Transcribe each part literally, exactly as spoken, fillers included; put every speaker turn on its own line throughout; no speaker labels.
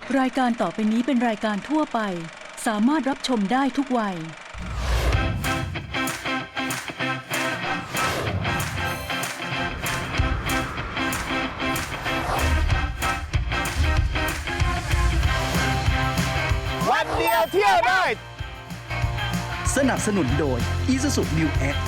รายการต่อไปนี้เป็นรายการทั่วไปสามารถรับชมได้ทุกวัย
วันเดียวเที่ยวได้
สนับสนุนโดย Isuzu New X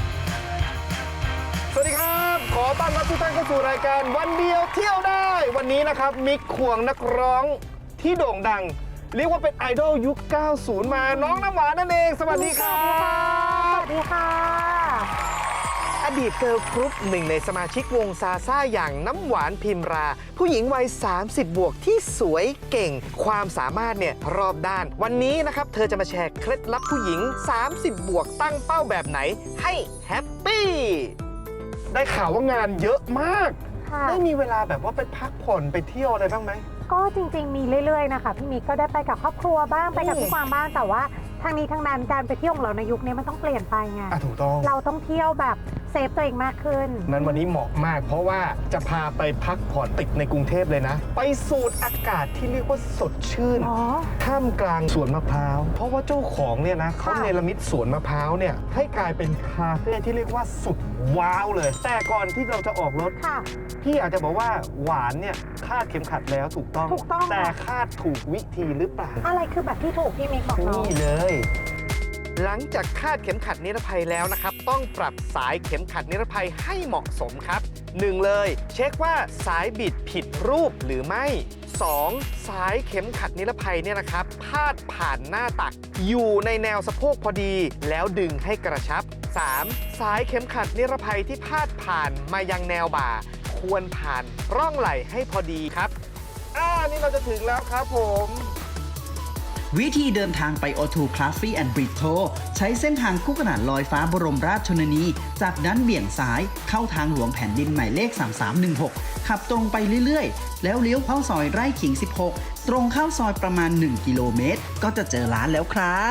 สวัสดีครับ ขอต้อนรับทุกท่านเข้าสู่รายการวันเดียวเที่ยวได้ วันนี้นะครับมิกควงนักร้องที่โด่งดัง เรียกว่าเป็นไอดอลยุค เก้าสิบ มาน้องน้ำหวานนั่นเอง สวัสดีครับ
สวัสดีค่ะ
อดีตเกิร์ลกรุ๊ปหนึ่งในสมาชิกวงซาซ่าอย่างน้ำหวานพิมรา ผู้หญิงวัย สามสิบ บวกที่สวยเก่ง ความสามารถเนี่ยรอบด้าน วันนี้นะครับเธอจะมาแชร์เคล็ดลับผู้หญิง สามสิบ บวกตั้งเป้าแบบไหนให้แฮปปี้ได้ข่าวว่างานเยอะมาก
ค่ะ
ได้มีเวลาแบบว่าไปพักผ่อนไปเที่ยวอะไรบ้างไหม
ก็จริงๆมีเรื่อยๆนะคะพี่มิกก็ได้ไปกับครอบครัวบ้างไปกับพี่กวางบ้างแต่ว่าทางนี้ทางนั้นการไปเที่ยวของเราในยุคนี้มันต้องเปลี่ยนไปไง
อ่ะถูกต้อง
เราต้องเที่ยวแบบเซฟตัวเองมากขึ้น
นั้นวันนี้เหมาะมาก เพราะว่าจะพาไปพักผ่อนติดในกรุงเทพเลยนะ ไปสูดอากาศที่เรียกว่าสดชื่น
อ๋อ
ท่ามกลางสวนมะพร้าวเพราะว่าเจ้าของเนี่ยนะเขา
ค่ะ
เนรมิตสวนมะพร้าวเนี่ยให้กลายเป็นคาเฟ่ที่เรียกว่าสุดว้าวเลย แต่ก่อนที่เราจะออกรถ
ค่ะ
พี่อยากจะบอกว่าหวานเนี่ยคาดเข็มขัดแล้วถูกต้อง
ถูกต้อง
แต่
ค่ะ
คาดถูกวิธีหรือเปล่า
อะไรคือแบบที่ถูกพี่มิกบอกน้อง
นี่เลย หลังจากคาดเข็มขัดนิรภัยแล้วนะครับ ต้องปรับสายเข็มขัดนิรภัยให้เหมาะสมครับ หนึ่ง เลย เช็คว่าสายบิดผิดรูปหรือไม่ สอง สายเข็มขัดนิรภัยเนี่ยนะครับพาดผ่านหน้าตัก อยู่ในแนวสะโพกพอดี แล้วดึงให้กระชับ สาม สายเข็มขัดนิรภัยที่พาดผ่านมายังแนวบ่า ควรผ่านร่องไหล่ให้พอดีครับอ่านี่เราจะถึงแล้วครับผม
วิธีเดินทางไป โอ ทู Coffee and Bistro ใช้เส้นทางคู่ขนานลอยฟ้าบรมราชชนนี จากนั้นเบี่ยงซ้ายเข้าทางหลวงแผ่นดินหมายเลข สามสามหนึ่งหก ขับตรงไปเรื่อยๆ แล้วเลี้ยวเข้าซอยไร่ขิง สิบหก ตรงเข้าซอยประมาณ หนึ่ง กิโลเมตร ก็จะเจอร้านแล้วครับ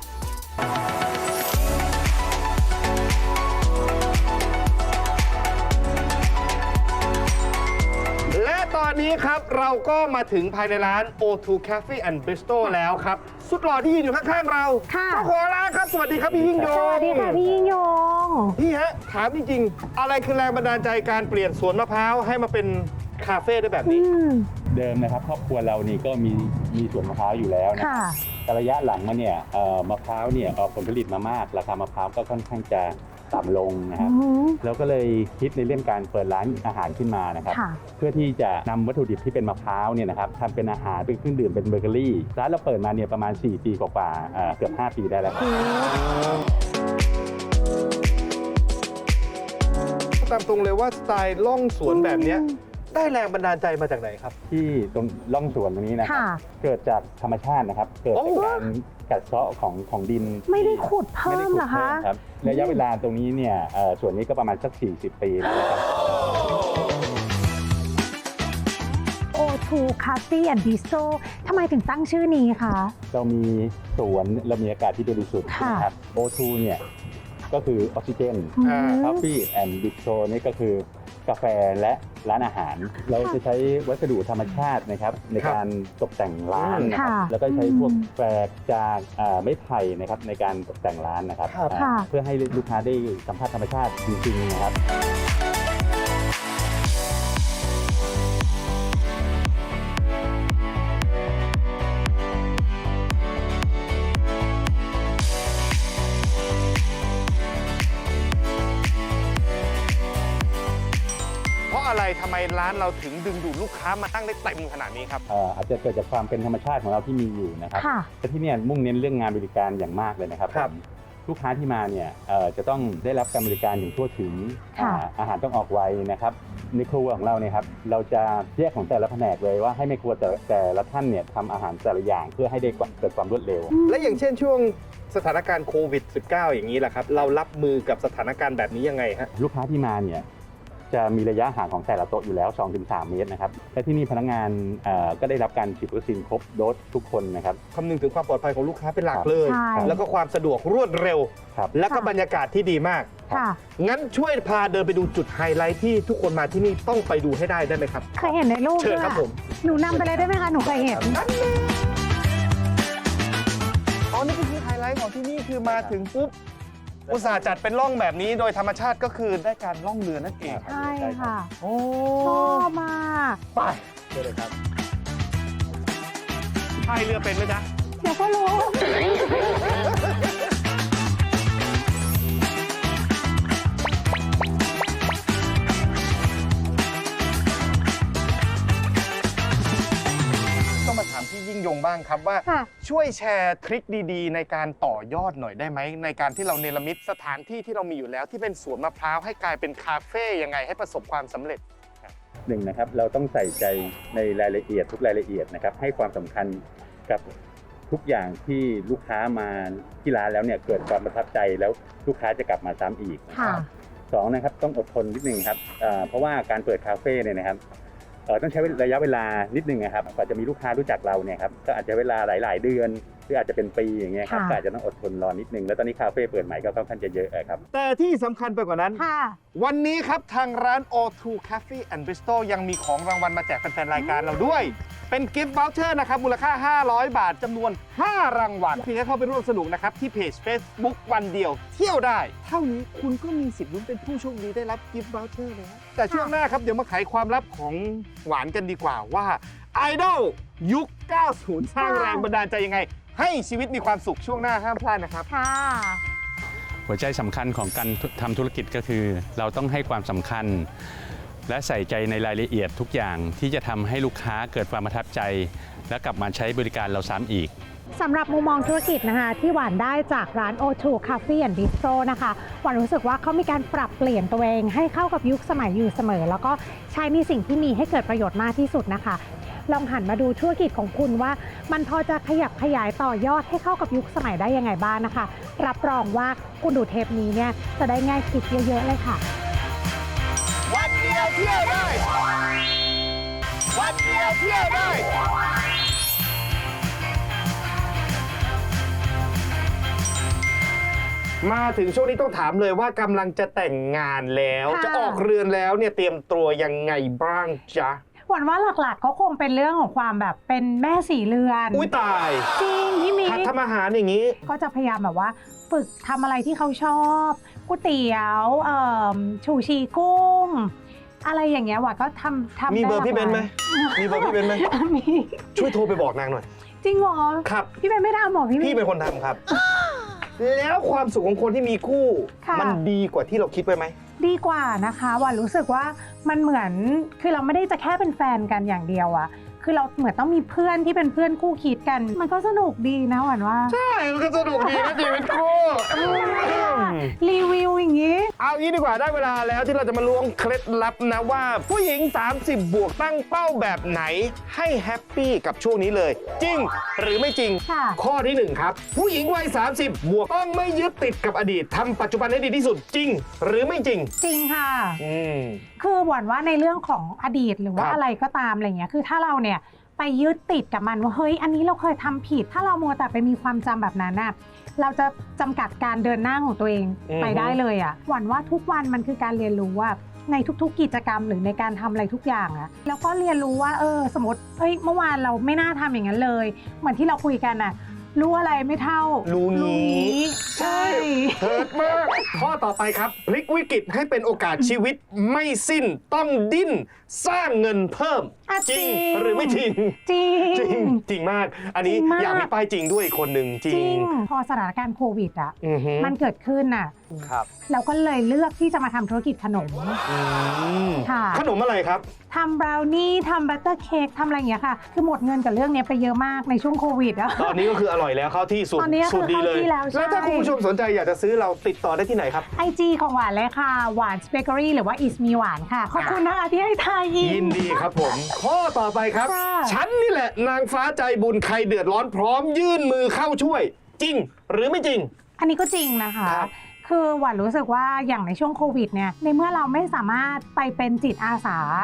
และตอนนี้ครับเราก็มาถึงภายในร้าน โอ ทู Cafe and Bistro แล้วครับ สุดหล่อที่ยืนอยู่ข้างๆเรา
ค่ะ
เจ้าของร้านครับ สวัสดีครับพี่ยิ่งยง
สวัสดีค่ะพี่ยิ่งยง
พี่ฮะ ถามจริงๆ อะไรคือแรงบันดาลใจการเปลี่ยนสวนมะพร้าวให้มาเป็นคาเฟ่ได้แบบ
อื
นี้
ม
เดิมนะครับครอบครัวเรานี่ก็มีมีสวนมะพร้าวอยู่แล้วนะ
ค่ะ
แต่ระยะหลังมาเนี่ยเอ่อมะพร้าวเนี่ยออกผลผลิตมามาก ราคามะพร้าวก็ค่อนข้างจะต่ำลงนะครับ
อืม
เราก็เลยคิดในเรื่องการเปิดร้านอาหารขึ้นมานะครับ
ค่ะ
เพื่อที่จะนำวัตถุดิบที่เป็นมะพร้าวเนี่ยนะครับทำเป็นอาหารเป็นเครื่องดื่มเป็นเบเกอรี่ร้านเราเปิดมาเนี่ยประมาณสี่ปีกว่าๆเอ่อเกือบห้าปีได้แล้วครับ
ตามตรงเลยว่าสไตล์ล่องสวนแบบเนี้ยได้แรงบันดาลใจมาจากไหนครับ
ที่ตรงร่องสวนตรงนี้นะครับ
ค่ะ
เกิดจากธรรมชาตินะครับ เกิด
โอ้
จากการกัดเซาะของของดิน
ไม่ได้ขุดเพิ่ม
ไม่ได้ขุด
เหรอคะ
พิ่มครับระยะเวลาตรงนี้เนี่ยเอ่อส่วนนี้ก็ประมาณสักสี่สิบปีแล้วนะครับ
โอ ทู Coffee and Bistro ทำไมถึงตั้งชื่อนี้คะ
เรามีสวนเรามีอากาศที่บริสุทธิ์
ค่ะ
นะครับ โอ ทู เนี่ยก็คือออกซิเจน
อืม
Coffee and Bistro นี่ก็คือกาแฟและร้านอาหาร เราจะใช้วัสดุธรรมชาตินะครับในการตกแต่งร้านนะครับ
ค่ะ
แล้วก็ใช้พวก
อืม
แฝกจากอ่าไม้ไผ่นะครับในการตกแต่งร้านนะครับ
ครับ
อ่า
ค่ะ
เพื่อให้ลูกค้าได้สัมผัสธรรมชาติจริงๆนะครับ
เพราะอะไรทำไมร้านเราถึงดึงดูดลูกค้ามาตั้งได้เต็มขนาดนี้ครับ
เอ่ออาจจะเกิดจากความเป็นธรรมชาติของเราที่มีอยู่นะครับ
ค่ะ
แต่ที่เนี่ยมุ่งเน้นเรื่องงานบริการอย่างมากเลยนะครับ
ครับ
ผมลูกค้าที่มาเนี่ยเอ่อจะต้องได้รับการบริการอย่างทั่วถึง
ค่ะ
อ่าอาหารต้องออกไวนะครับในครัวของเราเนี่ยครับเราจะแยกของแต่ละแผนกเลยว่าให้ในครัวแต่แต่ละท่านเนี่ยทำอาหารแต่ละอย่างเพื่อให้ได้เกิดความรวดเร็ว
และอย่างเช่นช่วงสถานการณ์โควิด สิบเก้า อย่างนี้แหละครับ เรารับมือกับสถานการณ์แบบนี้ยังไงฮะ
ลูกค้าที่มาเนี่ยจะมีระยะห่างของแต่ละโต๊ะอยู่แล้ว สองถึงสาม เมตรนะครับและที่นี่พนักงานเอ่อก็ได้รับการฉีดวัคซีนครบโดสทุกคนนะครับ
คำนึงถึงความปลอดภัยของลูกค้าเป็นหลักเลย
ใช่
แล้วก็ความสะดวกรวดเร็ว
ครับ
แล้วก็
ค่ะ
บรรยากาศที่ดีมาก
ค่ะ
งั้นช่วยพาเดินไปดูจุดไฮไลท์ที่ทุกคนมาที่นี่ต้องไปดูให้ได้ได้ไหมครับ
เคยเห็นในรูป
เชิญ
ด้วย
ครับผม
หนูนำไปเลยได้ไหมคะ หนูเคยเห็น
อ๋อนี่ก็คือไฮไลท์ของที่นี่คือมาถึงปุ๊บอุตส่าห์จัดเป็นร่องแบบนี้โดยธรรมชาติก็คือได้การล่องเรือนั่นเอง
ใช่ค่ะ
โอ้
ชอบมาก
ไปเชิญเลยครับพายเรือเป็นไหมจ๊ะ
เดี๋ยวก็รู้
ต้องมาถามพี่ยิ่งยงบ้างครับว่า
ค่ะ
ช่วยแชร์ทริคดีๆ ในการต่อยอดหน่อยได้ไหมในการที่เราเนรมิตสถานที่ที่เรามีอยู่แล้วที่เป็นสวนมะพร้าวให้กลายเป็นคาเฟ่ยังไงให้ประสบความสำเร็จ
หนึ่งนะครับเราต้องใส่ใจในรายละเอียดทุกรายละเอียดนะครับให้ความสำคัญกับทุกอย่างที่ลูกค้ามาที่ร้านแล้วเนี่ยเกิดความประทับใจแล้วลูกค้าจะกลับมาซ้ำอีก
ค่ะ
สองนะครับต้องอดทนนิดนึงครับเอ่อเพราะว่าการเปิดคาเฟ่เนี่ยนะครับเอ่อต้องใช้ระยะเวลานิดนึงนะครับกว่าจะมีลูกค้ารู้จักเราเนี่ยครับก็อาจจะเวลาหลาย ๆ เดือนหรืออาจจะเป็นปีอย่างเงี้ยครับ
ค่ะ
ก็อาจจะต้องอดทนรอนิดนึงแล้วตอนนี้คาเฟ่เปิดใหม่ก็ค่อนข้างจะเยอะครับ
แต่ที่สำคัญไปกว่านั้น
ค่ะ
วันนี้ครับทางร้าน โอ ทู Cafe and Bistro ยังมีของรางวัลมาแจกแฟนๆรายการเราด้วย เป็นกิฟต์ voucher นะครับมูลค่า ห้าร้อย บาทจำนวน ห้า รางวัลเพียงแค่เข้าไปร่วมสนุกนะครับที่เพจ Facebook วันเดียวเที่ยวได้ เท่านี้คุณก็มีสิทธิ์ลุ้นเป็นผู้โชคดีได้รับกิฟต์ voucher เลยนะแต่ช่วงหน้าครับเดี๋ยวมาไขความลับของหวานกันดีกว่าว่าไอดอลยุค เก้าสิบ สร้างแรงบันดาลใจยังไง ให้ชีวิตมีความสุขช่วงหน้าห้ามพลาดนะครับ
ค่ะ
หัวใจสำคัญของการทำธุรกิจก็คือ เราต้องให้ความสำคัญ และใส่ใจในรายละเอียดทุกอย่างที่จะทำให้ลูกค้าเกิดความประทับใจ และกลับมาใช้บริการเราซ้ำอีก
สำหรับมุมมองธุรกิจนะคะที่หวานได้จากร้าน โอ ทู Cafe and Bistro นะคะหวานรู้สึกว่าเขามีการปรับเปลี่ยนตัวเองให้เข้ากับยุคสมัยอยู่เสมอ แล้วก็ใช้ในสิ่งที่มีให้เกิดประโยชน์มากที่สุดนะคะ ลองหันมาดูธุรกิจของคุณว่ามันพอจะขยับขยายต่อยอดให้เข้ากับยุคสมัยได้ยังไงบ้างนะคะ รับรองว่าคุณดูเทปนี้เนี่ยจะได้ง่ายคิดเยอะๆเลยค่ะ
วันเดียวเที่ยวได้ วันเดียวเที่ยวได้ มาถึงช่วงนี้ต้องถามเลยว่ากำลังจะแต่งงานแล้ว
ค่ะ
จะออกเรือนแล้วเนี่ยเตรียมตัวยังไงบ้างจ๊ะ
หวานว่าหลักๆก็คงเป็นเรื่องของความแบบเป็นแม่สีเรือน
อุ้ยตาย
จริงพี่มิ
หัด
ก
ทำอาหารอย่างนี้
ก็จะพยายามแบบว่าฝึกทำอะไรที่เขาชอบก๋วยเตี๋ยวเอ่อชูชีกุ้ง อะไรอย่างเงี้ยหวานก็ทำทำ
มีเบอร์
ด้
พี่เบนซ์ไหม
ลากลาย
มีเบอร์พี่เบนซ์ไหม
มี
ช่วยโทรไปบอกนางหน่อย
จริงเหรอ
ครับ
พี่เบนไม่ทำหรอพี่มิก
พี่เป็นคนทำครับ แล้วความสุขของคนที่มีคู่
ค่ะ
มันดีกว่าที่เราคิดไว้ไหม
ดีกว่านะคะหวานรู้สึกว่ามันเหมือนคือเราไม่ได้จะแค่เป็นแฟนกันอย่างเดียวอะคือเราเหมือนต้องมีเพื่อนที่เป็นเพื่อนคู่คิดกัน มันก็สนุกดีนะหวานว่า
ใช่ มันก็สนุกดีนะชีวิตคู่
รีวิวอย่างงี้
เอางี้ดีกว่าได้เวลาแล้วที่เราจะมาล้วงเคล็ดลับนะว่า ผู้หญิง สามสิบ บวกตั้งเป้าแบบไหนให้แฮปปี้กับช่วงนี้เลย จริงหรือไม่จริง
ค่ะ
ข้อที่หนึ่งครับ ผู้หญิงวัย สามสิบ บวกต้องไม่ยึดติดกับอดีตทำปัจจุบันให้ดีที่สุดจริง หรือไม่จริง
จริงค่ะ
อืม
คือหวานว่าในเรื่องของอดีตหรือว่า
ครับ
อะไรก็ตามอะไรเงี้ยคือถ้าเราเนี่ยไปยึดติดกับมันว่าเฮ้ยอันนี้เราเคยทำผิด ถ้าเรามัวแต่ไปมีความจำแบบนั้นน่ะเราจะจำกัดการเดินหน้าของตัวเองไปได้เลยอ่ะหวานว่าทุกวันมันคือการเรียนรู้ว่าในทุกๆกิจกรรมหรือในการทำอะไรทุกอย่างอะแล้วก็เรียนรู้ว่าเออสมมติเอ้ยเมื่อวานเราไม่น่าทำอย่างนั้นเลยเหมือนที่เราคุยกันน่ะรู้อะไรไม่เท่า
รู้งี้
ใช่
เฮิร์ตมาก ข้อต่อไปครับพลิกวิกฤตให้เป็นโอกาสชีวิตไม่สิ้นต้องดิ้นสร้างเงินเพิ่ม
อ่ะ
จริงหรือไม่จริง
จริง
จริงจริงมาก อันนี้
จริงมาก
อยากมีป้ายจริงด้วยอีกคนหนึ่งจ
จ
ริ
ริ
ง
งพอสถานการณ์โควิดอ่ะ
อือฮึ
มันเกิดขึ้นน่ะ
ครับ
เราก็เลยเลือกที่จะมาทำธุรกิจขนม
อืม
ค่ะ
ขนมอะไรครับ
ทำบราวนี่ทำบัตเตอร์เค้กทำอะไรอย่างเงี้ยค่ะ คือหมดเงินกับเรื่องเนี้ยไปเยอะมากในช่วงโควิดอะ
ตอนนี้ก็คืออร่อยแล้วเข้าที่สุด
ตอนนี้ก็คือ
สุดดีเลย
เข้าที่แล้วใช่
แล้วถ้าคุณผู้ชมสนใจอยากจะซื้อเราติดต่อได้ที่ไหนครับ
ไอจีของหวานเลยค่ะ หวานสเปกอรี่หรือว่าอิสมีหวานค่ะ ขอบคุณนะคะที่ให้ทายอิ
ยิ
น
นดีครับผม ข้อต่อไปครับ
ค่ะ
ฉันนี่แหละนางฟ้าใจบุญใครเดือดร้อนพร้อมยื่นมือเข้าช่วย จริงหรือไม่จริง
อันนี้ก็จริงนะคะ
ครับ
คือหวานรู้สึกว่าอย่างในช่วงโควิดเนี่ยในเมื่อเราไม่สามารถไปเป็นจิตอาสา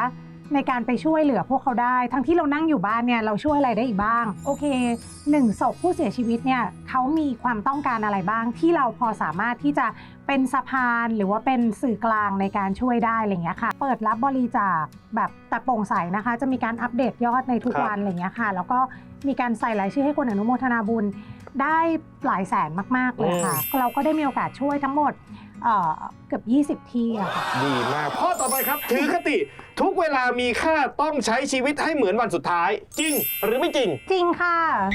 ในการไปช่วยเหลือพวกเขาได้ ทั้งที่เรานั่งอยู่บ้านเนี่ยเราช่วยอะไรได้อีกบ้างโอเคหนึ่งศพผู้เสียชีวิตเนี่ยเขามีความต้องการอะไรบ้างที่เราพอสามารถที่จะเป็นสะพานหรือว่าเป็นสื่อกลางในการช่วยได้อะไรเงี้ยค่ะเปิดรับบริจาคแบบแต่โปร่งใสนะคะจะมีการอัปเดตยอดในทุกวันอะไรเงี้ยค่ะแล้วก็มีการใส่รายชื่อให้คนอนุโมทนาบุญได้หลายแสนมากๆเลยค่ะเราก็ได้มีโอกาสช่วยทั้งหมดเอ่อเกือบยี่สิบที่อะค่ะ
ดีมากข้อต่อไปครับถือคติทุกเวลามีค่าต้องใช้ชีวิตให้เหมือนวันสุดท้าย จริงหรือไม่จริง
จริงค่ะ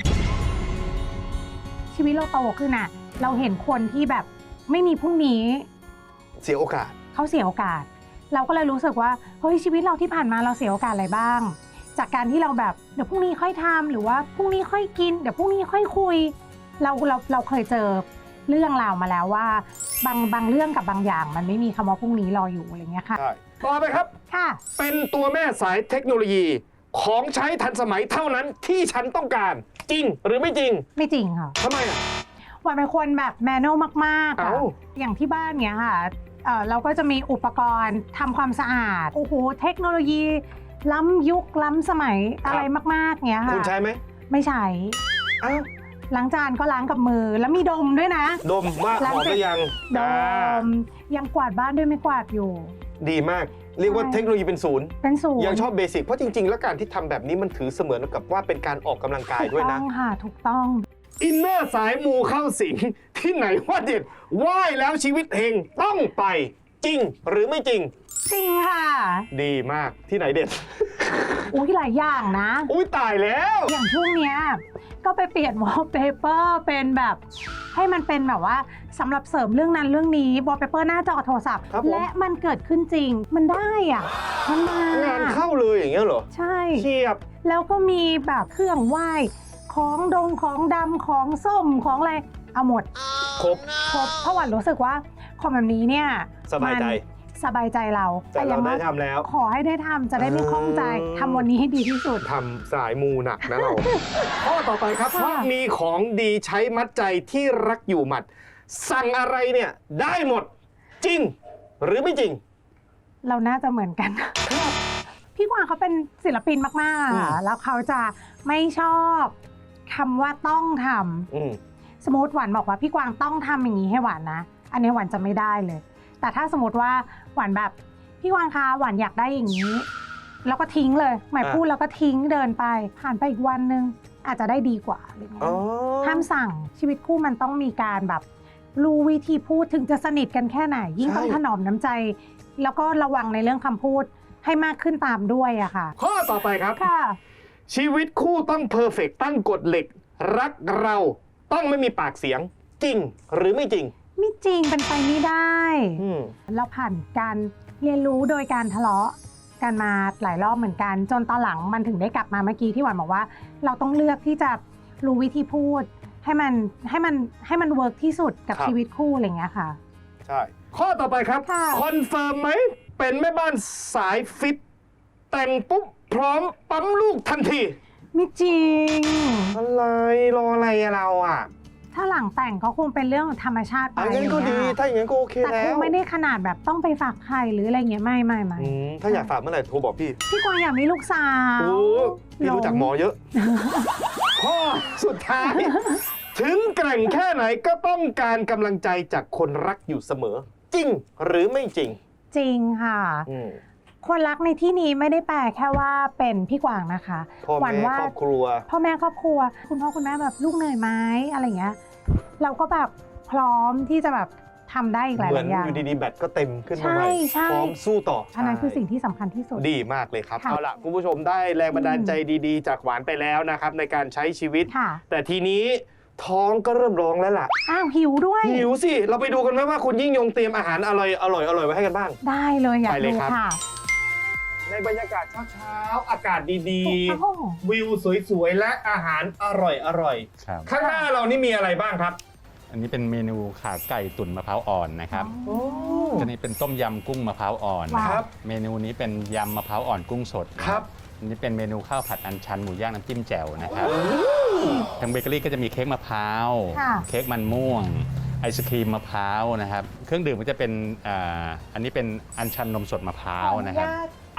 ชีวิตเราโตขึ้นอะเราเห็นคนที่แบบไม่มีพรุ่งนี้
เสียโอกาส
เขาเสียโอกาส เราก็เลยรู้สึกว่าเฮ้ยชีวิตเราที่ผ่านมาเราเสียโอกาสอะไรบ้าง จากการที่เราแบบเดี๋ยวพรุ่งนี้ค่อยทำหรือว่าพรุ่งนี้ค่อยกินเดี๋ยวพรุ่งนี้ค่อยคุย เราเราเราเคยเจอเรื่องราวมาแล้วว่าบางบางเรื่องกับบางอย่าง มันไม่มีคำว่าพรุ่งนี้รออยู่อะไรเงี้ยค่ะ
ใช่ ต่อไปครับ
ค่ะ
เป็นตัวแม่สายเทคโนโลยีของใช้ทันสมัยเท่านั้นที่ฉันต้องการ จริงหรือไม่จริง
ไม่จริงค่ะ
ทำไมอ่ะ
วันเป็นคนแบบแมนนวลมากๆอะ
เอ้า
อย่างที่บ้านเนี้ยค่ะเอ่อเราก็จะมีอุปกรณ์ทำความสะอาด โอ้โห เทคโนโลยี ล้ำยุคล้ำสมัยอะไรมากๆเนี้ยค่ะ
คุณใช้ไหม
ไม่ใช้
อ้าว
ล้างจานก็ล้างกับมือ แล้วมีดมด้วยนะ
ดมว่าหอมหรือยัง
ด
อ่าม
ยังกวาดบ้านด้วยไม่กวาดอยู่
ดีมาก เรียกว่า
ใช่
เทคโนโลยีเป็นศูนย์
เป็นศูนย์
ยังชอบเบสิกเพราะจริง ๆ แล้วการที่ทำแบบนี้มันถือเสมือนกับว่าเป็นการออกกำลังกาย
ถูก
ด้วย
ต้
นะ
องค่ะ ถูกต้อง
อินเนอร์สายมูเข้าสิง ที่ไหนว่าเด็ดไหว้แล้วชีวิตเฮงต้องไปจริงหรือไม่จริง
จริงค่ะ
ดีมากที่ไหนเด็ด
อุ้ยหลายอย่างนะ
อุ้ยตายแล้ว
อย่างช่วงเนี้ยก็ไปเปลี่ยนวอลเปเปอร์เป็นแบบให้มันเป็นแบบว่าสำหรับเสริมเรื่องนั้นเรื่องนี้วอลเปเปอร์หน้าจอโทรศัพท์
ครับผม
และมันเกิดขึ้นจริง มันได้อ่ะมันมาง
านเข้าเลยอย่างเงี้ยเหรอ
ใช่
เชียบ
แล้วก็มีแบบเครื่องไหว้ของดงของดำของส้มของอะไรเอาหมด
ครบ
ครบเพราะหวันรู้สึกว่าของแบบนี้เนี่ย
สบายใจ
มันสบายใจเรา
แต่เรา
อย่ง
ได้
น้อย
ทำแล้ว
ขอให้ได้ทำจะได้ไม่คล่องใจ
อืม
ทำวันนี้ให้ดีที่สุด
ทำสายมูหนักนะเรา ข้อต่อไปครับ
ค่ะ
เพราะมีของดีใช้มัดใจที่รักอยู่หมัด สั่งอะไรเนี่ยได้หมด จริง หรือไม่จริง
เราน่าจะเหมือนกัน พี่กวางเขาเป็นศิลปินมากๆ
อืม
อะแล้วเขาจะไม่ชอบคำว่าต้องท
อืม
ำสมมติหวานบอกว่าพี่กวางต้องทำอย่างนี้ให้หวานนะ อันนี้หวานจะไม่ได้เลย แต่ถ้าสมมติว่าหวานแบบพี่กวางคะหวานอยากได้อย่างนี้ แล้วก็ทิ้งเลยหมาย
อ่ะ
พูดแล้วก็ทิ้งเดินไป ผ่านไปอีกวันนึงอาจจะได้ดีกว่าอะไรเงี้
อ๋อย
ห้ามสั่งชีวิตคู่มันต้องมีการแบบรู้วิธีพูดถึงจะสนิทกันแค่ไหน ยิ่งต้องถนอมน้ำใจ แล้วก็ระวังในเรื่องคำพูดให้มากขึ้นตามด้วยอะค่ะ
ข้อต่อไปครับ
ค่ะ
ชีวิตคู่ต้องเพอร์เฟกตั้งกฎเหล็ก รักเราต้องไม่มีปากเสียง จริงหรือไม่จริง
ไม่จริงเป็นไปไม่ได้
อืม
เราผ่านการเรียนรู้โดยการทะเลาะกันมาหลายรอบเหมือนกัน จนตอนหลังมันถึงได้กลับมาเมื่อกี้ที่หวานบอกว่า เราต้องเลือกที่จะรู้วิธีพูด ให้มันให้มันให้มันเวิร์กที่สุดกับ
ครับ
ชีวิตคู่อะไรอย่างเงี้ยค่ะ
ใช่ ข้อต่อไปครับ
ค่ะ
คอนเฟิร์มไหม เป็นแม่บ้านสายฟิต แต่งปุ๊บ พร้อมปั๊มลูกทันที
ไม่จริง
อะไร รออะไรอะเราอ่ะ
ถ้าหลังแต่งก็คงเป็นเรื่องธรรมชาติไป
อันนั้นก็ดี
อะไรเงี้ย
ถ้าอย่างนั้นก็โอเค
แต่
แล้
คง
ว
ไม่ได้ขนาดแบบต้องไปฝากใครหรืออะไรเงี้ยไม่ไม่ไม่
อืมถ้าอยากฝากเมื่อไหร่โทรบอกพี่
พี่กวางอยากมีลูกสาว
โอ้พี่รู้จักหมอเยอะ ข้อสุดท้าย ถึงแกร่งแค่ไหนก็ต้องการกำลังใจจากคนรักอยู่เสมอ จริงหรือไม่จริง
จริงค่ะ
อืม
คนรักในที่นี้ไม่ได้แปลแค่ว่าเป็นพี่กวางนะคะ
พ่อ
หวั
แม่
ว่า
ครอบครัว
พ่อแม่ครอบครัว คุณพ่อคุณแม่แบบลูกเหนื่อยไหมอะไรเงี้ยเราก็แบบพร้อมที่จะแบบทำได้อีกหลาย
เหมือน
ๆอย่าง
อยู่ดีๆ แบตก็เต็มขึ้นมา
ใช่
ใหม่
ใช่
พร้อมสู้ต่อ
อันนั้นคือ
ใช่
สิ่งที่สำคัญที่สุด
ดีมากเลยครับ
ค่ะ
เอาล่ะ คุณผู้ชมได้แรงบันดาลใจดีๆ จากหวานไปแล้วนะครับ ในการใช้ชีวิต
ค่ะ
แต่ทีนี้ท้องก็เริ่มร้องแล้วล่ะ
อ้าวหิวด้วย
หิวสิ เราไปดูกันไหมว่าคุณยิ่งยงเตรียมอาหารอร่อยอร่อยอร่อยไว้ให้กันบ้าง
ได้เลยอยาก
ไปเลย
ดู
ครับ
ค่ะ
ในบรรยากาศเช้าๆ อากาศดี
โอ้โห
ๆ วิวสวยๆ และอาหารอร่อยอร่อย
ครับ
ข้างหน้าเรานี่มีอะไรบ้างครับ
อันนี้เป็นเมนูขาไก่ตุ๋นมะพร้าวอ่อนนะครับ
โอ้
อันนี้เป็นต้มยำกุ้งมะพร้าวอ่อน
ว้าว
ครับ
เมนูนี้เป็นยำมะพร้าวอ่อนกุ้งสด
ครับ
อันนี้เป็นเมนูข้าวผัดอัญชันหมูย่างน้ำจิ้มแจ่วนะครับทางเบเกอรี่ก็จะมีเค้กมะพร้าว
ค่ะ
เค้กมันม่วง ไอศครีมมะพร้าวนะครับ เครื่องดื่มก็จะเป็นอ่าอันนี้เป็นอัญชันนมสดมะพร้าวนะครับ
ไอ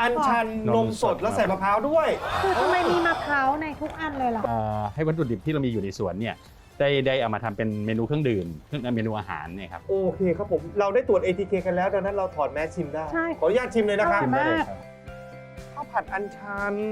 อัญชันนมสดแล้วใส่มะพร้าวด้วย
คือทำไมมีมะพร้าวในทุกอันเลยล่ะ
เอ่อให้วัตถุดิบที่เรามีอยู่ในสวนเนี่ยได้ได้เอามาทำเป็นเมนูเครื่องดื่มเครื่องเมนูอาหารเนี่ยครับ
โอเคครับผม เราได้ตรวจ เอ ที เค กันแล้วดังนั้นเราถอดแมสชิมได้
ใช่
ขออนุญาตชิมเลยนะครับ
อร่อยมาก
ข้าวผัดอัญชัน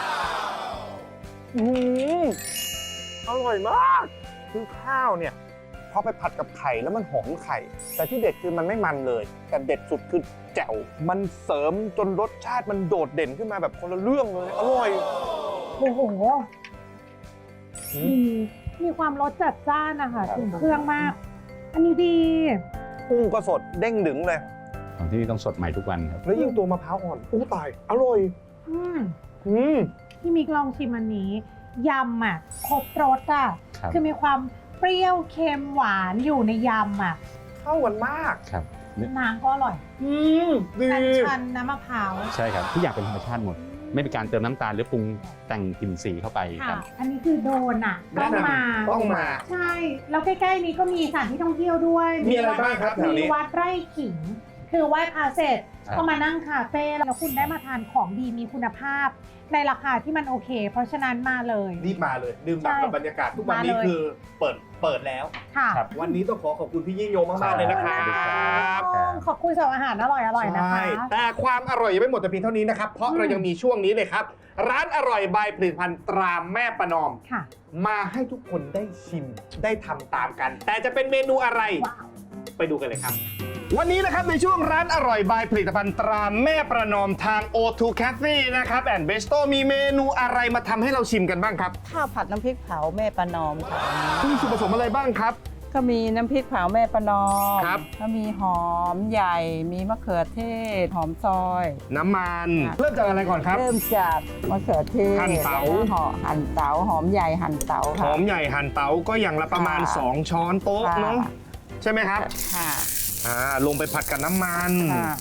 อืมอร่อยมาก คือข้าวเนี่ยพอไปผัดกับไข่แล้วมันหอมไข่ แต่ที่เด็ดคือมันไม่มันเลย แต่เด็ดสุดคือแจ่วมันเสริมจนรสชาติมันโดดเด่นขึ้นมาแบบคนละเรื่องเลย อร่อย
โอ้โห
อืม
มีมีความรสจัดจ้านนะคะ
ครับ
ถึงเครื่องมาก อันนี้ดี
กุ้งก็สดเด้งดึงเลย
ของที่นี่ต้องสดใหม่ทุกวันครับ
แล้วยิ่งตัวมะพร้าวอ่อนอู้ตาย อร่อย
อืม
อืม
พี่มิกลองชิมอันนี้ยำอ่ะครบรสอ่ะ
ครับ
คือมีความเปรี้ยวเค็มหวานอยู่ในยำอ่ะ
เข้ากันมาก
ครับ
น้ำก็อร่อย
อืมดี
อัญชันน้ำมะพร้าว
ใช่ครับทุกอย่างเป็นธรรมชาติหมด ไม่มีการเติมน้ำตาลหรือปรุงแต่งกลิ่นสีเข้าไปค
ค่ะ
รับ
อันนี้คือโดนอ่ะต้องมา
ต้องมา
ใช่ แล้วใกล้ๆนี้ก็มีสถานที่ท่องเที่ยวด้วย
มีอะไรบ้างครับแถวนี้
มีวัดไร่ขิง คือไหว้พระเสร็จ
ครับ
ก็มานั่งคาเฟ่แล้วคุณได้มาทานของดีมีคุณภาพ ในราคาที่มันโอเค เพราะฉะนั้นมาเลย
รีบมาเลย ดื่มด่ำกับบรรยากาศทุกวันนี้
มาเลย
คือเปิดเปิดแล้ว
ค่ะ
ครับ
วันนี้ต้องขอขอบคุณพี่ยิ่งยงมาก ๆ เลยนะครับ
ครับ
ขอบคุณสำหรับอาหารอร่อยๆนะคะ
ใช่แต่ความอร่อยยังไม่หมดแต่เพียงเท่านี้นะครับ เพราะ
อืม
เรายังมีช่วงนี้เลยครับ ร้านอร่อยบายผลิตภัณฑ์ตราแม่ประนอม
ค่ะ
มาให้ทุกคนได้ชิมได้ทำตามกัน แต่จะเป็นเมนูอะไร
ว้าว
ไปดูกันเลยครับ วันนี้นะครับในช่วงร้านอร่อยบายผลิตภัณฑ์ตราแม่ประนอมทาง โอ ทู Cafe นะครับแอนด์เบสโตมีเมนูอะไรมาทำให้เราชิมกันบ้างครับ
ข้าวผัดน้ำพริกเผาแม่ประนอมค่ะ
มีส่วนผสมอะไรบ้างครับ
ก็มีน้ำพริกเผาแม่ประนอม
ครับ
ก็มีหอมใหญ่ มีมะเขือเทศ หอมซอย
น้ำมัน
ค่ะ
เริ่มจากอะไรก่อนครับ
เริ่มจากมะเขือเทศ
หั่นเต๋า
แล้วก็ห่อหั่นเต๋าหอมใหญ่หั่นเต๋า
ห
ค่ะ
อมใหญ่หั่นเต๋าก็อย่างละประมาณ
ค่ะ
สอง ช้อนโต๊ะ
ค่ะ
เนาะใช่ไหมครับ
ค่ะ
อ่าลงไปผัดกับน้ำมัน
ค่ะ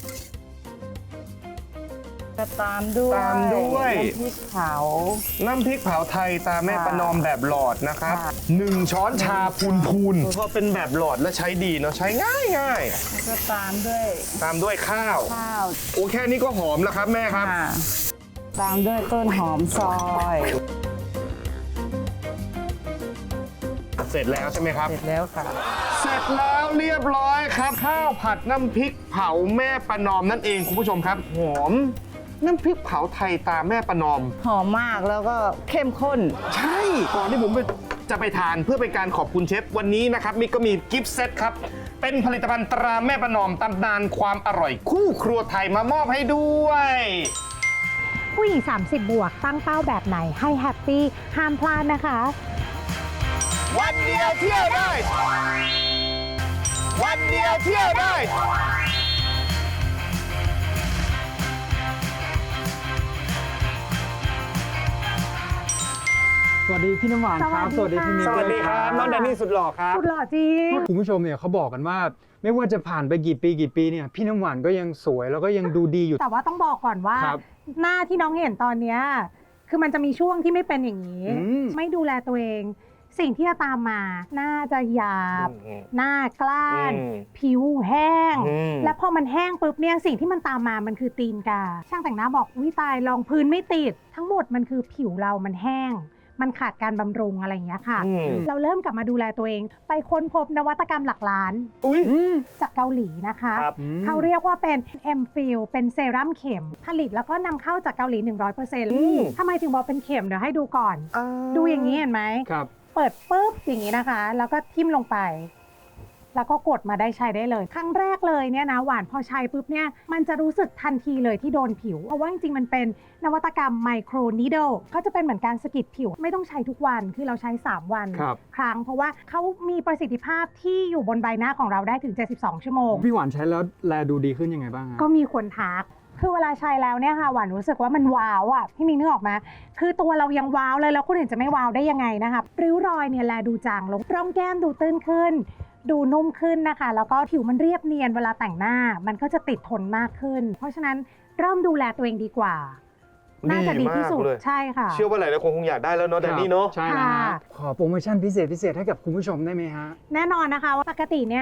ก็ตามด้วย
ตามด้วย
น้ำพริกเผา
น้ำพริกเผาไทยตาแม่
ค่ะ
ประนอมแบบหลอดนะครับ
ค่ะ
หนึ่งช้อนชาพูนพูนเพราะเป็นแบบหลอดและใช้ดีเนาะใช้ง่ายง่าย
แล้วก็ตามด้วย
ตามด้วยข้าว
ข้าว
โอ้แค่นี้ก็หอมแล้วครับแม่ครับ
ค่ะตามด้วยต้นหอมซอย
เสร็จแล้วใช่ไหมครับ
เสร็จแล้วค่ะ
เสร็จแล้วเรียบร้อยครับ ข้าวผัดน้ำพริกเผาแม่ประนอมนั่นเองคุณผู้ชมครับ หอมน้ำพริกเผาไทยตาแม่ประนอม
หอมมากแล้วก็เข้มข้น
ใช่ก่อนที่ผมจะไปทานเพื่อเป็นการขอบคุณเชฟวันนี้นะครับมิกก็มีกิฟต์เซตครับ เป็นผลิตภัณฑ์ตราแม่ประนอมตำนานความอร่อยคู่ครัวไทยมามอบให้ด้วย
ผู้หญิง สามสิบ บวก ตั้งเป้าแบบไหนให้แฮปปี้ ห้ามพลาดนะคะ
วันเดียวเที่ยวได้ วันเดียวเที่ยวได้
สวัสดีพี่น้ำหวานครับ
สวัสดีค่ะ
พี่มิก
สวัสดีครับน้องแดนนี่สุดหล่อครับ
สุดหล่อจริง
คุณผู้ชมเนี่ยเขาบอกกันว่า ไม่ว่าจะผ่านไปกี่ปีกี่ปีเนี่ยพี่น้ำหวานก็ยังสวยแล้วก็ยังดูดีอยู่
แต่ว่าต้องบอกก่อนว่า
ครับ
หน้าที่น้องเห็นตอนเนี้ยคือมันจะมีช่วงที่ไม่เป็นอย่างนี้
อืม
ไม่ดูแลตัวเอง สิ่งที่จะตามมาหน้าจะหยาบ
อืม
หน้ากล้าน
อืม
ผิวแห้ง
อืม
และพอมันแห้งปุ๊บเนี่ยสิ่งที่มันตามมามันคือตีนกา ช่างแต่งหน้าบอกวิตายรองพื้นไม่ติด ทั้งหมดมันคือผิวเรามันแห้ง มันขาดการบำรุงอะไรอย่างเงี้ยค่ะ
อืม
เราเริ่มกลับมาดูแลตัวเอง ไปค้นพบนวัตกรรมหลักล้าน
อุ้ย
จากเกาหลีนะคะ
ครับ
เขาเรียกว่าเป็น เอ็ม ฟิล เป็นเซรั่มเข็ม ผลิตแล้วก็นำเข้าจากเกาหลี หนึ่งร้อยเปอร์เซ็นต์
อืม
ทำไมถึงบอกเป็นเข็มเดี๋ยวให้ดูก่อน ดูอย่างนี้เห็นไหม
ครับ
เปิดปุ๊บอย่างนี้นะคะ แล้วก็ทิ่มลงไป แล้วก็กดมาได้ใช้ได้เลย ครั้งแรกเลยเนี่ยนะหวานพอใช้ปุ๊บเนี่ยมันจะรู้สึกทันทีเลยที่โดนผิว เพราะว่าจริงๆมันเป็นนวัตกรรมไมโครนีดเดิลก็จะเป็นเหมือนการสะกิดผิว ไม่ต้องใช้ทุกวันคือเราใช้สามวัน
ครับ
ครั้งเพราะว่าเขามีประสิทธิภาพที่อยู่บนใบหน้าของเราได้ถึงเจ็ดสิบสองชั่วโมง
พี่หวานใช้แล้วแลดูดีขึ้นยังไงบ้างฮะ
ก็มีคนทัก คือเวลาใช้แล้วเนี่ยค่ะหวานรู้สึกว่ามันว้าวอ่ะ พี่มิงนึกออกมา คือตัวเรายังว้าวเลยแล้วคนอื่นจะไม่ว้าวได้ยังไงนะคะริ้วรอยเนี่ยแลดูจางลงร่องแก้มดูตื้นขึ้น ดูนุ่มขึ้นนะคะ แล้วก็ผิวมันเรียบเนียนเวลาแต่งหน้า มันก็จะติดทนมากขึ้น เพราะฉะนั้นเริ่มดูแลตัวเองดีกว่า น่าจะดีที่สุด
มากเลย
ใช่ค่ะ
เชื่อว่าหลายๆคนคงอยากได้แล้วเนาะแดนนี่เนาะ
ใช่แล้วฮะ
ค่ะ
ขอโปรโมชั่นพิเศษพิเศษให้กับคุณผู้ชมได้ไหมฮะ
แน่นอนนะคะว่าปกติเนี่ย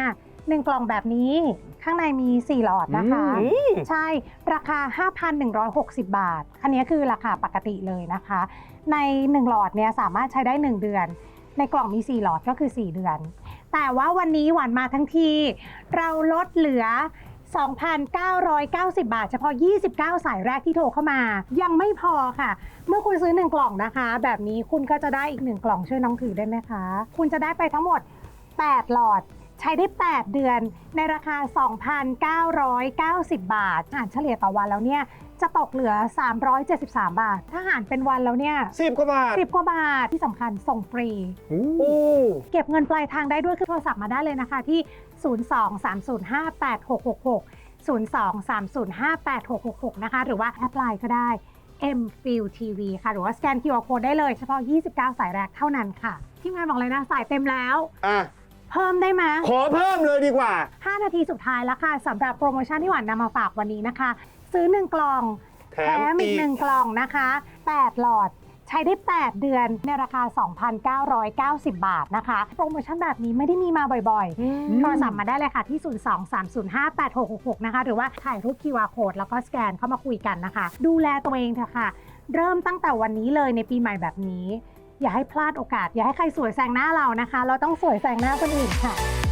หนึ่งกล่องแบบนี้ข้างในมีสี่หลอดนะคะ
อืม
ใช่ราคา ห้าพันหนึ่งร้อยหกสิบ บาทอันนี้คือราคาปกติเลยนะคะ ในหนึ่งหลอดเนี่ยสามารถใช้ได้หนึ่งเดือน ในกล่องมีสี่หลอดก็คือสี่เดือน แต่ว่าวันนี้หวานมาทั้งทีเราลดเหลือ สองพันเก้าร้อยเก้าสิบ บาทเฉพาะยี่สิบเก้าสายแรกที่โทรเข้ามายังไม่พอค่ะ เมื่อคุณซื้อหนึ่งกล่องนะคะ แบบนี้คุณก็จะได้อีกหนึ่งกล่องช่วยน้องถือได้ไหมคะ คุณจะได้ไปทั้งหมดแปดหลอดใช้ได้แปดเดือนในราคา สองพันเก้าร้อยเก้าสิบ บาทหารเฉลี่ยต่อวันแล้วเนี่ยจะตกเหลือสามร้อยเจ็ดสิบสาม บาท ถ้าหารเป็นวันแล้วเนี่ย
สิบกว่าบาท
สิบกว่าบาทที่สำคัญส่งฟรี
โอ้
เก็บเงินปลายทางได้ด้วยคือโทรศัพท์มาได้เลยนะคะที่ ศูนย์ สอง สาม ศูนย์ ห้า แปด หก หก หก ศูนย์ สอง สาม ศูนย์ ห้า แปด หก หก หก นะคะ หรือว่าแอปไลน์ก็ได้ เอ็ม ฟิล ที วี ค่ะ หรือว่าสแกน คิว อาร์ Code ได้เลยเฉพาะยี่สิบเก้าสายแรกเท่านั้นค่ะ ทีมงานบอกเลยนะ สายเต็มแล้ว
อ่ะ
เพิ่มได้ไหม
ขอเพิ่มเลยดีกว่า
ห้านาทีสุดท้ายแล้วค่ะสำหรับโปรโมชั่นที่หวานนำมาฝากวันนี้นะคะ ซื้อหนึ่งกล่อง
แถ
แถ
ม
ม
อี
อี
ก
กหนึ่งกล่องนะคะแปดหลอดใช้ได้ แปด เดือนในราคา สองพันเก้าร้อยเก้าสิบ บาทนะคะ โปรโมชั่นแบบนี้ไม่ได้มีมาบ่อยๆ โทรศัพท์มาได้เลยค่ะที่ ศูนย์ สอง สาม ศูนย์ ห้า แปด หก หก หก นะคะ หรือว่าถ่ายรูป คิว อาร์ Code แล้วก็สแกนเข้ามาคุยกันนะคะ ดูแลตัวเองเถอะค่ะ เริ่มตั้งแต่วันนี้เลยในปีใหม่แบบนี้ อย่าให้พลาดโอกาส อย่าให้ใครสวยแซงหน้าเรานะคะ เราต้องสวยแซงหน้าคนอื่นค่ะ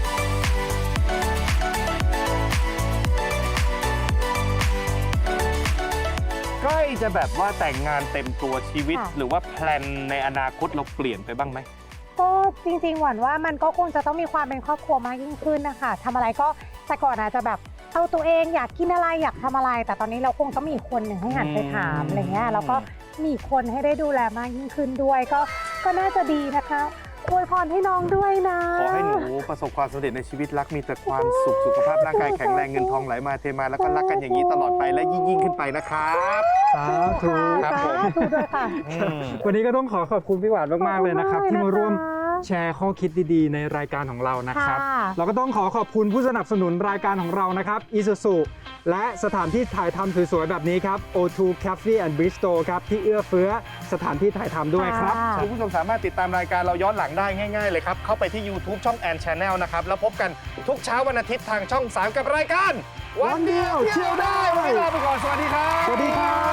ใกล้จะแบบว่าแต่งงานเต็มตัวชีวิต
ค่ะ
หรือว่าแพลนในอนาคตเราเปลี่ยนไปบ้างไหม
ก็จริงๆหวานว่ามันก็คงจะต้องมีความเป็นครอบครัวมากยิ่งขึ้นนะคะทำอะไรก็แต่ก่อนอาจจะแบบเอาตัวเองอยากกินอะไรอยากทำอะไร แต่ตอนนี้เราคงต้องมีอีกคนหนึ่งให้หันไปถาม
อืม
อะไรเงี้ยแล้วก็มีอีกคนให้ได้ดูแลมากยิ่งขึ้นด้วย ก็ก็น่าจะดีนะคะอวยพรให้น้องด้วยนะ
ขอให้หนูประสบความสำเร็จในชีวิตรักมีแต่ความสุขสุขภาพร่างกายแข็งแรงเงินทองไหลมาเทมาแล้วก็รักกันอย่างนี้ตลอดไปและยิ่งยิ่งๆขึ้นไปนะครับ
สาธุ
ครับผม
สาธุด้วยค่ะ
อืม
วันนี้ก็ต้องขอขอบคุณพี่หวานมากๆเลยนะครับ
ขอบคุณ
ที่มาร่วม
นะคะ
แชร์ข้อคิดดีๆ ในรายการของเรานะครับ
ค่ะ
เราก็ต้องขอขอบคุณผู้สนับสนุนรายการของเรานะครับ Isuzu และสถานที่ถ่ายทำสวยๆแบบนี้ครับ โอ ทู Cafe and Bistro ครับที่เอื้อเฟื้อสถานที่ถ่ายทำด้วยครับ
ค่ะ
คุณผู้ชมสามารถติดตามรายการเราย้อนหลังได้ง่าย ๆ เลยครับ เข้าไปที่ YouTube ช่องแอน Channel นะครับ แล้วพบกันทุกเช้าวันอาทิตย์ทางช่อง สาม กับรายการ วันเดียวเที่ยวได้ วันนี้ลาไปก่อน สวัสดีครับ
สวัสดีครับ